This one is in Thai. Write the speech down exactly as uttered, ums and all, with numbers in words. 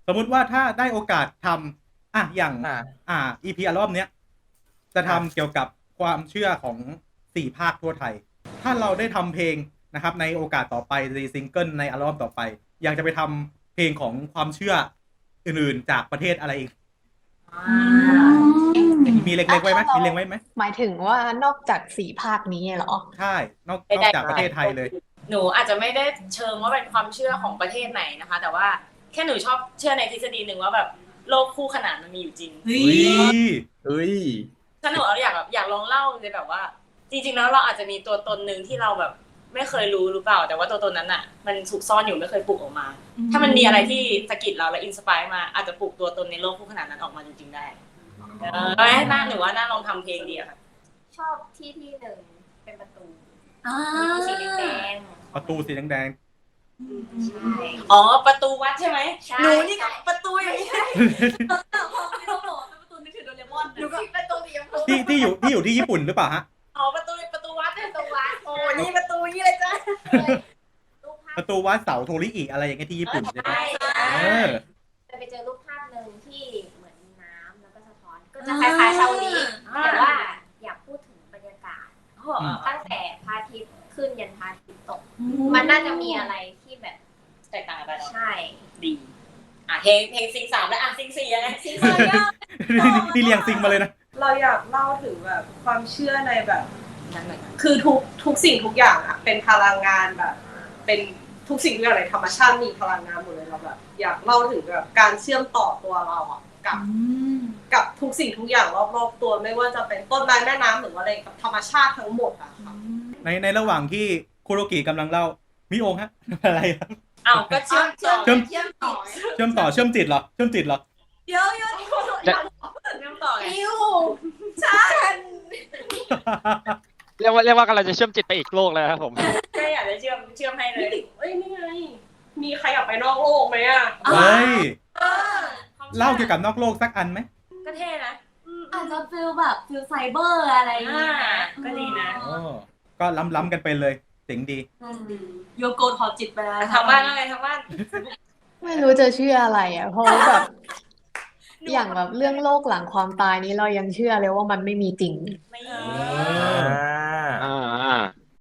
สมมุติว่าถ้าได้โอกาสทำอ่ะอย่างอ่าอ่า อี พี อัลบั้มเนี้ยจะทำอ่ะเกี่ยวกับความเชื่อของสี่ภาคทั่วไทย ถ้าเราได้ทำเพลงนะครับในโอกาสต่อไปในซิงเกิลในอัลบั้มต่อไป อยากจะไปทำเพลงของความเชื่ออื่นๆจากประเทศอะไรอีกอืมมีเล็กๆไว้ไหมมีเล็งไว้ไหมหมายถึงว่านอกจากสี่ภาคนี้เหรอใช่นอกนอกจากประเทศไทยเลยหนูอาจจะไม่ได้เชิงว่าเป็นความเชื่อของประเทศไหนนะคะ แต่ว่าแค่หนูชอบเชื่อในทฤษฎีหนึ่งว่าแบบโลกคู่ขนานมันมีอยู่จริงเฮ้ยเฮ้ยถ้าหนูเอาอยากแบบอยากลองเล่าเลยแบบว่า จริงๆแล้วเราอาจจะมีตัวตนหนึ่งที่เราแบบไม่เคยรู้หรือเปล่า แต่ว่าตัวตนนั้นอ่ะ มันถูกซ่อนอยู่ไม่เคยปลุกออกมา ถ้ามันมีอะไรที่สะกิดเราและอินสปายมาอาจจะปลุกตัวตนในโลกคู่ขนานนั้นออกมาจริงๆได้เออน่าหนูว่าน่าลองทำเพลงดีอะค่ะชอบที่ที่หนึ่งเป็นประตูอ่าสีแดงประตูสีแดงๆใช่อ๋อประตูวัดใช่ไหมใช่หนูนี่ก็ประตูอย่างนี้หนูก็ประตูสีชมพูๆที่ที่อยู่ที่อยู่ที่ญี่ปุ่นหรือเปล่าฮะอ๋อประตูประตูวัดประตูวัดโอ้นี่ประตูนี่เลยจ้ะรูปภาปพระตูวัดเสาโทริอิอะไรอย่างเงี้ยที่ญี่ปุ่นใช่ไหมใช่เออจะไปเจอรูปภาพหนึ่งที่เหมือนมีน้ำแล้วก็สะท้อน ก็จะคล้ายๆเชานี้แต่ว่าอยากพูดถึงบรรยากาศ ตั้งแต่พระอาทิตย์ขึ้นยันพระอาทิตย์ตก มันน่าจะมีอะไรที่แบบแตกต่างกันไปเนาะใช่ดีอ่ะเพลงเพลงซิงสามแล้วอ่ะซิงสี่ยังไงซิงที่เรียงซิงมาเลยนะเราอยากเล่าถึงแบบความเชื่อในแบบนั่นหน่อยคือทุกทุกสิ่งทุกอย่างอะเป็นพลังงานแบบ เป็นทุกสิ่งทุกอย่างในธรรมชาติมีพลังงานหมดเลยเราแบบอยากเล่าถึงแบบการเชื่อมต่อตัวเราอะกับกับทุกสิ่งทุกอย่างรอบๆตัวไม่ว่าจะเป็นต้นไม้แม่น้ำหรือว่าอะไรกับธรรมชาติทั้งหมดอะค่ะในในระหว่างที่คุโรกิกำลังเล่ามิโองฮะ อะไรครับอ้าวก็เชื่อมต่อเชื่อมเชื่อมต่อเชื่อมต่อเชื่อมจิตเหรอเชื่อมจิตเหรอเดี๋ยวเดี๋ยวเชื่อมต่อไงอิวเรียกว่าเรียกว่ากำลังจะเชื่อมจิตไปอีกโลกแล้วครับผมแค่อยากจะเชื่อมเชื่อมให้เลยเอ้ยนี่ไงมีใครอยากไปนอกโลกไหมอะเฮ้ยเล่าเกี่ยวกับนอกโลกสักอันไหมก็เท่นะอาจจะฟิลแบบฟิลไซเบอร์อะไรอย่างอ่าเงี้ยก็ดีนะอ๋อก็ล้ำๆกันไปเลยเจ๋งดีโยโกถอดจิตไปแล้วทางบ้านว่าไงทางบ้านไม่รู้จะเชื่ออะไรอ่ะ เพราะว่าแบบ อย่างแบบเรื่องโลกหลังความตายนี้เรายังเชื่อเลยว่ามันไม่มีจริงไม่อ่า